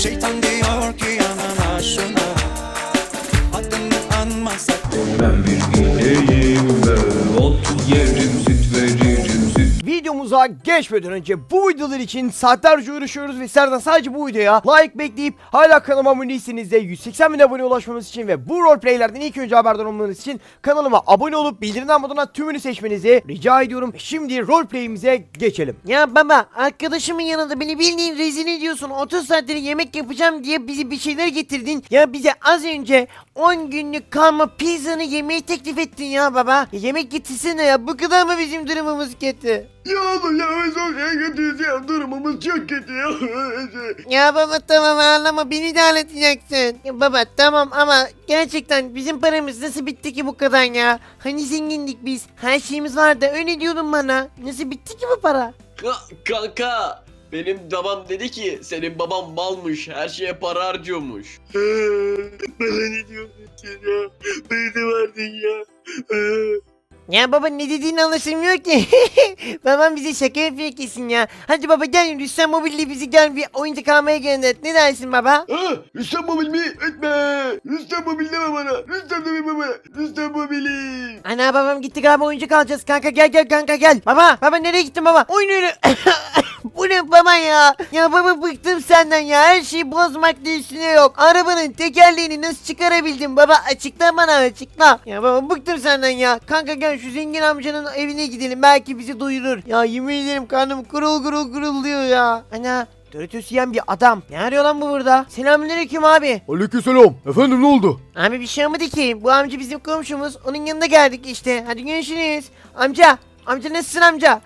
Şeytan diyor ki yanına şuna, adını anmasak. Ben bir ineğim ve ot yerim, süt veririm, süt. Videomuza geçmeden önce bu videolar için saatlerce uğraşıyoruz ve sizlerden sadece bu videoya like bekleyip hala kanalıma abone değilseniz de 180 bin abone ulaşmamız için ve bu roleplaylerden ilk önce haberdar olmanız için kanalıma abone olup bildirimden moduna tümünü seçmenizi rica ediyorum. Şimdi roleplayimize geçelim. Ya baba, arkadaşımın yanında beni bildiğin rezil ediyorsun. 30 saattir yemek yapacağım diye bizi bir şeyler getirdin. Ya bize az önce 10 günlük kalma pizzanı yemeği teklif ettin ya baba. Yemek getirsene ya, bu kadar mı bizim durumumuz kötü? Ya oğlum ya biz çok kötüyüz ya, durumumuz çok kötü ya. Ya baba tamam, ağlama, beni de ağlatacaksın. Ya baba tamam ama gerçekten bizim paramız nasıl bitti ki bu kadar ya? Hani zengindik biz, her şeyimiz vardı, öyle diyordun bana. Nasıl bitti ki bu para? Kanka benim babam dedi ki senin baban malmış, her şeye para harcıyormuş. Bana ne diyorsun sen ya? Beni de verdin ya. Ya baba, ne dediğini anlaşılmıyor ki. Babam bize şaka yapıyor kesin ya. Hadi baba gel, Rüstem Mobil'le bizi gel bir oyuncak almaya gönder. Ne dersin baba? Rüstem Mobil mi? Etme. Rüstem Mobil deme bana. Rüstem deme bana. Rüstem Mobil'i. Ana, babam gitti galiba, oyuncak alacağız. Kanka gel kanka gel. Baba nereye gittin baba? Oyun oyunu. Bu ne baba ya? Ya baba, bıktım senden ya. Her şeyi bozmak da üstüne yok. Arabanın tekerleğini nasıl çıkarabildin baba? Açıkla bana, açıkla. Ya baba, bıktım senden ya. Kanka gel şu zengin amcanın evine gidelim. Belki bizi doyurur. Ya yemin ederim karnım gurul diyor ya. Ana, Doritos yiyen bir adam. Ne arıyor lan bu burada? Selamünaleyküm abi. Aleykümselam. Efendim ne oldu? Abi bir şey olmadı ki. Bu amca bizim komşumuz. Onun yanına geldik işte. Hadi görüşürüz. Amca nasılsın amca?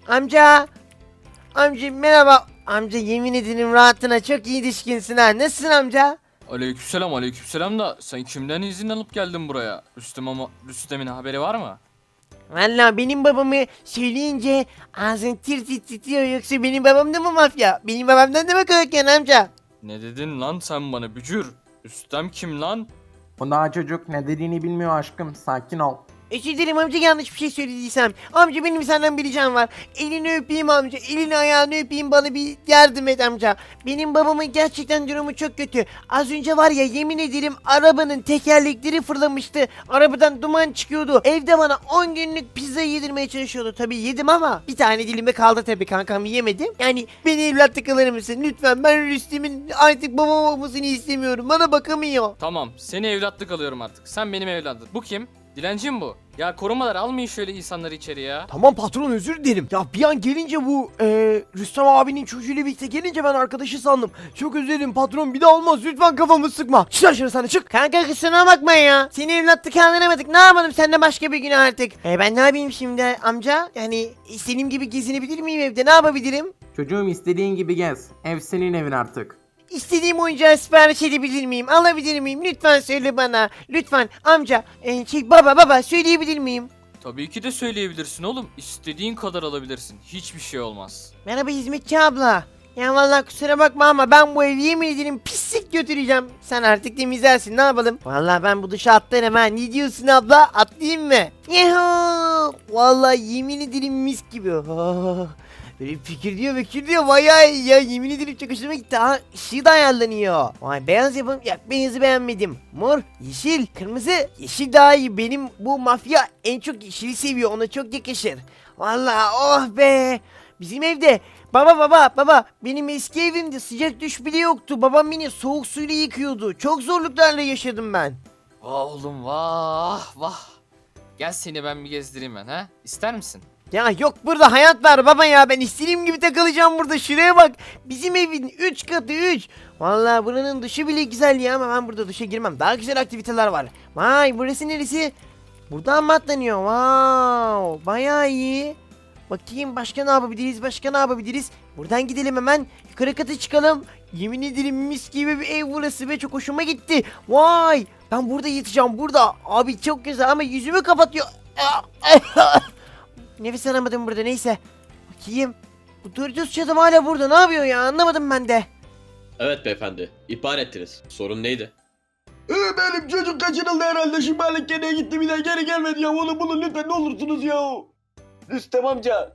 Amca merhaba. Amca yemin ederim rahatına çok iyi düşkünsün ha. Nasılsın amca? Aleykümselam da sen kimden izin alıp geldin buraya? Rüstem'in haberi var mı? Valla benim babamı söyleyince ağzın tir titriyor, yoksa benim babam da mı mafya? Benim babamdan da mı korkuyorsun amca? Ne dedin lan sen bana bücür? Rüstem kim lan? O daha çocuk, ne dediğini bilmiyor aşkım, sakin ol. Özür dilerim amca, yanlış bir şey söylediysem. Amca benim senden bir ricam var. Elini öpeyim amca. Elini ayağını öpeyim, bana bir yardım et amca. Benim babamın gerçekten durumu çok kötü. Az önce var ya, yemin ederim arabanın tekerlekleri fırlamıştı. Arabadan duman çıkıyordu. Evde bana 10 günlük pizza yedirmeye çalışıyordu. Tabii yedim ama bir tane dilime kaldı tabii kankam, yemedim. Yani beni evlatlık alır mısın? Lütfen, ben Rüstem'in artık babam olmasını istemiyorum. Bana bakamıyor. Tamam, seni evlatlık alıyorum artık. Sen benim evladım. Bu kim? Dilenci mi bu? Ya korumalar, almayın şöyle insanları içeri ya. Tamam patron, özür dilerim. Ya bir an gelince bu Rüstem abinin çocuğuyla birlikte gelince ben arkadaşı sandım. Çok özür dilerim patron, bir daha olmaz, lütfen kafamı sıkma. Çık dışarı, sana çık. Kanka kusura bakma ya. Seni evlatlık kaldıramadık. Ne yapalım, sen de başka bir gün artık. Ben ne yapayım şimdi amca? Yani istediğim gibi gezinebilir miyim evde? Ne yapabilirim? Çocuğum, istediğin gibi gez. Ev senin evin artık. İstediğim oyuncağı sipariş edebilir miyim? Alabilir miyim? Lütfen söyle bana. Lütfen amca. Baba söyleyebilir miyim? Tabii ki de söyleyebilirsin oğlum. İstediğin kadar alabilirsin. Hiçbir şey olmaz. Merhaba hizmetçi abla. Ya vallahi kusura bakma ama ben bu evi yemin ederim pislik götüreceğim. Sen artık temizlersin, ne yapalım? Vallahi ben bu dışa atlarım ha. Ne diyorsun abla? Atlayayım mı? Yuhuu. Vallahi yemin ederim mis gibi. Oh. Böyle fikir diyor bayağı iyi ya, yemin ederim çok hoşuma gitti. Ha, ışığı da ayarlanıyor. Vay, beyaz yapalım. Ya beyazı beğenmedim. Mor, yeşil, kırmızı. Yeşil daha iyi, benim bu mafya en çok yeşili seviyor, ona çok yakışır. Vallahi oh be. Bizim evde baba benim eski evimde sıcak duş bile yoktu. Babam beni soğuk suyla yıkıyordu. Çok zorluklarla yaşadım ben. Vah oğlum, vah. Gel seni ben bir gezdireyim ben, ha? İster misin? Ya yok burada hayat var baba ya, ben istediğim gibi takılacağım burada, şuraya bak. Bizim evin 3 katı 3. Vallahi buranın duşu bile güzel ya, ama ben burada duşa girmem. Daha güzel aktiviteler var. Vay, burası neresi? Buradan mı atlanıyor? Wow, bayağı iyi. Bakayım başka ne yapabiliriz? Buradan gidelim hemen. Yukarı kata çıkalım. Yemin ederim mis gibi bir ev burası ve çok hoşuma gitti. Vay, ben burada yatacağım burada. Abi çok güzel ama yüzümü kapatıyor. Nefes alamadım burada, neyse. Bakayım. Bu Doritos çadım hala burada, ne yapıyor ya, anlamadım ben de. Evet beyefendi, ihbar ettiniz. Sorun neydi? Benim çocuk kaçırıldı herhalde. Şu balık gene gitti, bir daha geri gelmedi ya. Oğlum bulun lütfen, ne olursunuz ya. Rüstem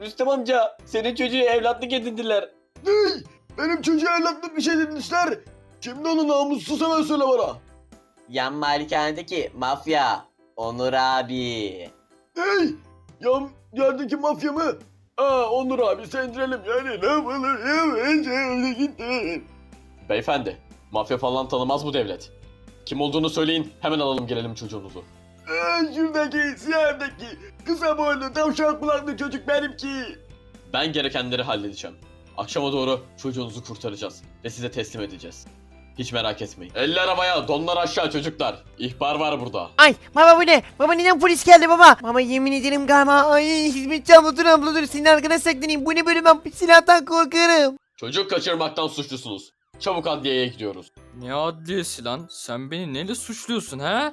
amca, senin çocuğu evlatlık edindiler. Benim çocuğa evlatlık bir şey demişler. Kimdi onun namussuz hemen söyle bana. Yan malikanedeki mafya. Onur abi. Hey! Yan yerdeki mafya mı? Onur abi sendirelim yani ne yapalım gitti. Beyefendi, mafya falan tanımaz bu devlet. Kim olduğunu söyleyin, hemen alalım gelelim çocuğunuzu. Şuradaki siyah evdeki kısa boylu tavşan kulaklı çocuk benimki. Ben gerekenleri halledeceğim. Akşama doğru çocuğunuzu kurtaracağız ve size teslim edeceğiz. Hiç merak etmeyin. Eller havaya, donlar aşağı çocuklar. İhbar var burada. Ay baba bu ne? Baba neden polis geldi baba? Baba yemin ederim galiba. Ay hizmetçi abla dur. Senin arkana saklanayım. Bu ne böyle, ben silahtan korkarım. Çocuk kaçırmaktan suçlusunuz. Çabuk adliyeye gidiyoruz. Ne adliyesi lan? Sen beni neyle suçluyorsun he?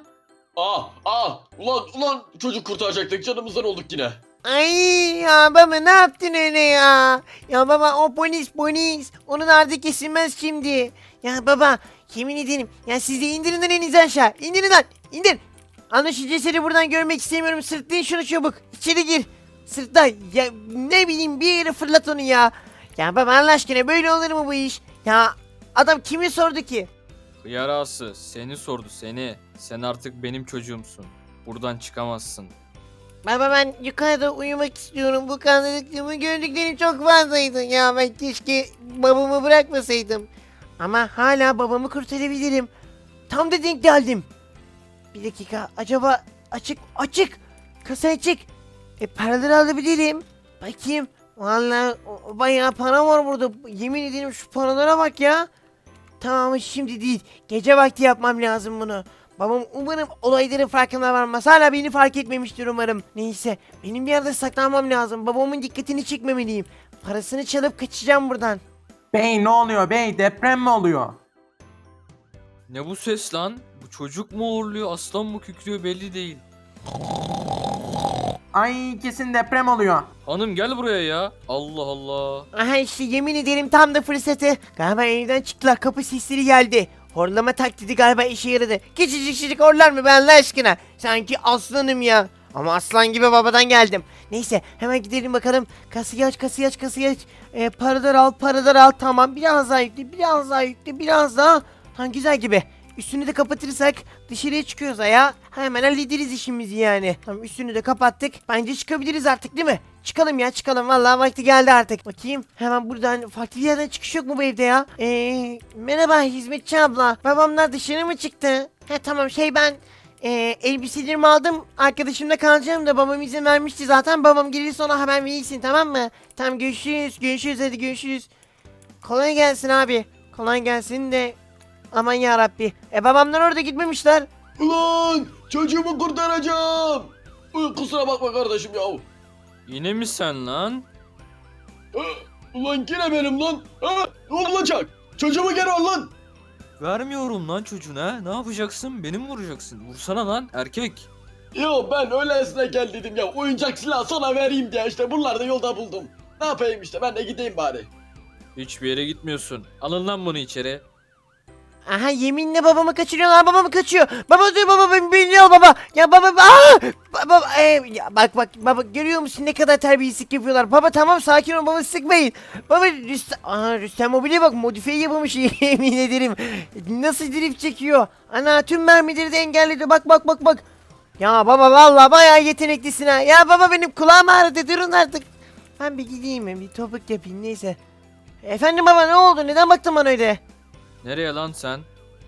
Ulan çocuk kurtaracaktık, canımızdan olduk yine. Ay ya baba ne yaptın öyle ya? Ya baba o polis. Onun ardı kesilmez şimdi. Ya baba yemin ederim. Ya siz de indirin lan elinizi aşağı. İndirin lan. İndir. Anlaşılan cesedi buradan görmek istemiyorum. Sırtlayın şunu çabuk. İçeri gir. Sırtla. Ya ne bileyim bir yere fırlat onu ya. Ya baba Allah aşkına böyle olur mu bu iş? Ya adam kimi sordu ki? Yarası seni sordu seni. Sen artık benim çocuğumsun. Buradan çıkamazsın. Baba ben yukarıda uyumak istiyorum. Bu kanlılıklığımı gördüklerim çok fazlaydı. Ya ben keşke babamı bırakmasaydım. Ama hala babamı kurtarabilirim. Tam da denk geldim. Bir dakika acaba açık. Kasa açık. Paraları alabilirim. Bakayım. Vallahi bayağı para var burada. Yemin ederim şu paralara bak ya. Tamam şimdi değil. Gece vakti yapmam lazım bunu. Babam umarım olayların farkına varmaz. Hala beni fark etmemiştir umarım. Neyse benim bir yerde saklanmam lazım. Babamın dikkatini çekmemeliyim. Parasını çalıp kaçacağım buradan. Bey ne oluyor bey? Deprem mi oluyor? Ne bu ses lan? Bu çocuk mu uğurluyor, aslan mı kükrüyor belli değil. Ay kesin deprem oluyor. Hanım gel buraya ya. Allah Allah. Aha işte yemin ederim tam da fırsatı. Galiba evden çıktılar, kapı sesleri geldi. Horlama taklidi galiba işe yaradı. Küçücük horlar mı ben Allah aşkına? Sanki aslanım ya. Ama aslan gibi babadan geldim. Neyse hemen gidelim bakalım. Kasayı aç. Paralar al. Tamam biraz daha yükle. Tamam güzel gibi. Üstünü de kapatırsak dışarıya çıkıyoruz ya. Hemen hallederiz işimizi yani. Tamam üstünü de kapattık. Bence çıkabiliriz artık değil mi? Çıkalım ya çıkalım. Vallahi vakti geldi artık. Bakayım. Hemen buradan farklı bir yerden çıkış yok mu bu evde ya? Merhaba hizmetçi abla. Babamlar dışarı mı çıktı? Tamam ben elbiselerimi aldım. Arkadaşımda kalacağım da babam izin vermişti zaten. Babam gelir sonra haber verirsin tamam mı? Tamam görüşürüz hadi görüşürüz. Kolay gelsin abi. Kolay gelsin de. Aman ya Rabbi. Babamlar orada gitmemişler. Ulan çocuğumu kurtaracağım. Kusura bakma kardeşim ya. Yine mi sen lan? Ulan yine benim lan. Ne olacak? Çocuğumu geri al lan. Vermiyorum lan çocuğuna. Ne yapacaksın? Beni mi vuracaksın? Vursana lan erkek. Ya ben öylesine gel dedim ya. Oyuncak silah sana vereyim diye işte. Bunları da yolda buldum. Ne yapayım işte, ben de gideyim bari. Hiçbir yere gitmiyorsun. Alın lan bunu içeri. Aha yeminle babamı kaçırıyorlar, babamı kaçıyor. Baba dur baba beni al baba. Ya baba baba ya bak baba görüyor musun ne kadar terbiyesizlik yapıyorlar. Baba tamam sakin ol baba sıkmayın. Baba Rüstem Mobil'e bak modifiye yapılmış yemin ederim. Nasıl drift çekiyor. Ana tüm mermileri de engelledi bak. Ya baba vallahi bayağı yeteneklisin ha. Ya baba benim kulağım ağrıdı durun artık. Ben bir gideyim bir topuk yapayım neyse. Efendim baba ne oldu neden baktın bana öyle? Nereye lan sen?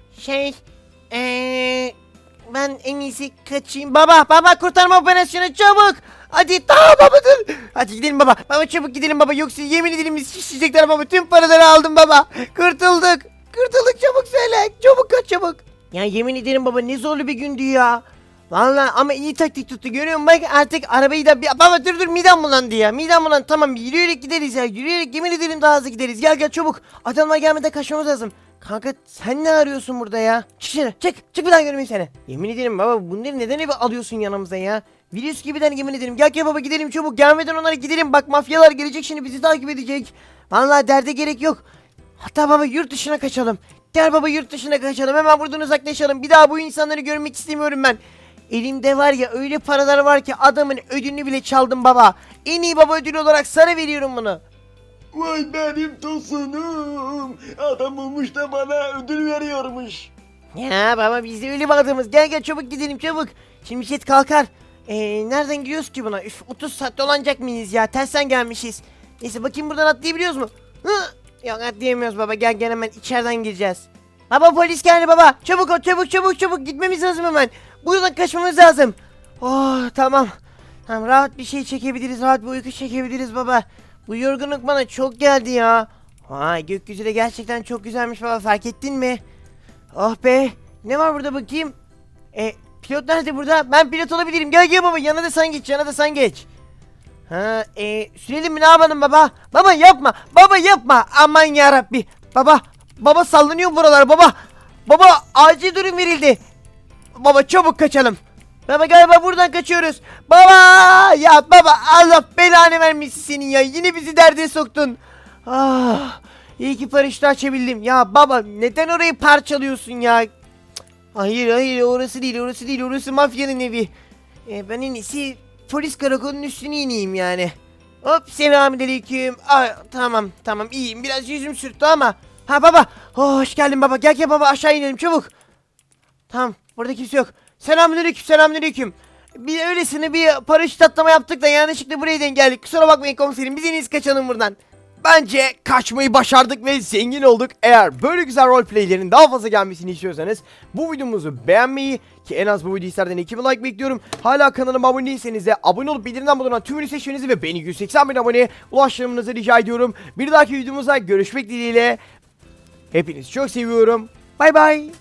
Ben en iyisi kaçayım. Baba kurtarma operasyonu çabuk. Hadi tamam baba dur. Hadi gidelim baba. Baba çabuk gidelim baba. Yoksa yemin ederim biz şişecekler baba. Tüm paraları aldım baba. Kurtulduk çabuk söyle. Çabuk kaç çabuk. Ya yemin ederim baba ne zorlu bir gündü ya. Vallahi ama iyi taktik tuttu görüyor musun? Bak artık arabayı da baba dur midem bulandı ya. Midem bulandı tamam yürüyerek gideriz ya. Yürüyerek yemin ederim daha hızlı gideriz. Gel çabuk. Adamlar gelmeden kaçmamız lazım. Kanka sen ne arıyorsun burada ya? Çık dışarı çık bir daha görmeyeyim seni. Yemin ederim baba bunları neden eve alıyorsun yanımıza ya? Virüs gibiden yemin ederim. Gel baba gidelim çabuk gelmeden onlara gidelim. Bak mafyalar gelecek şimdi bizi takip edecek. Vallahi derde gerek yok. Hatta baba yurt dışına kaçalım. Gel baba yurt dışına kaçalım hemen buradan uzaklaşalım. Bir daha bu insanları görmek istemiyorum ben. Elimde var ya öyle paralar var ki adamın ödülünü bile çaldım baba. En iyi baba ödülü olarak sana veriyorum bunu. Vay benim tosunum. Adam olmuş da bana ödül veriyormuş. Ya baba biz de öyle mi adamız? Gel gel çabuk gidelim çabuk. Şimdi jet kalkar. Nereden gidiyoruz ki buna? Üf 30 saat dolanacak mıyız ya? Tersten gelmişiz. Neyse bakayım buradan atlayabiliyoruz mu? Hı! Yok atlayamıyoruz baba. Gel gel hemen içeriden gireceğiz. Baba polis geldi baba. Çabuk ol çabuk gitmemiz lazım hemen. Buradan kaçmamız lazım. Oh tamam. Tamam rahat bir şey çekebiliriz. Rahat bir uyku çekebiliriz baba. Bu yorgunluk bana çok geldi ya. Vay gökyüzü de gerçekten çok güzelmiş baba fark ettin mi? Oh be. Ne var burada bakayım? Pilot nerede burada? Ben pilot olabilirim. Gel gel baba yana da sen geç. Ha sürelim mi ne yapalım baba? Baba yapma. Aman yarabbi. Baba sallanıyor buralar baba. Baba acil durum verildi. Baba çabuk kaçalım. Baba galiba buradan kaçıyoruz. Baba ya baba Allah belanı vermesin senin ya. Yine bizi derde soktun. Ah, iyi ki paraşütü açabildim. Ya baba neden orayı parçalıyorsun ya? Cık, hayır orası değil orası mafyanın evi. Ben en iyisi polis karakolunun üstüne ineyim yani. Hop selamünaleyküm. Tamam iyiyim biraz yüzüm sürttü ama. Ha baba hoş geldin baba gel baba aşağı inelim çabuk. Tamam burada kimse yok. Selamünaleyküm. Bir öylesine bir paraşüt atlama yaptık da yanlışlıkla buraya denk geldik. Kusura bakmayın komiserim biz en iyisi kaçalım buradan. Bence kaçmayı başardık ve zengin olduk. Eğer böyle güzel roleplaylerin daha fazla gelmesini istiyorsanız bu videomuzu beğenmeyi ki en az bu videoyu izlerden 2000 like bekliyorum. Hala kanalıma abone değilseniz de abone olup bildirimden bulunan tümünü seçmenizi ve beni 180 bin aboneye ulaştırmanızı rica ediyorum. Bir dahaki videomuzda görüşmek dileğiyle. Hepinizi çok seviyorum. Bay bay.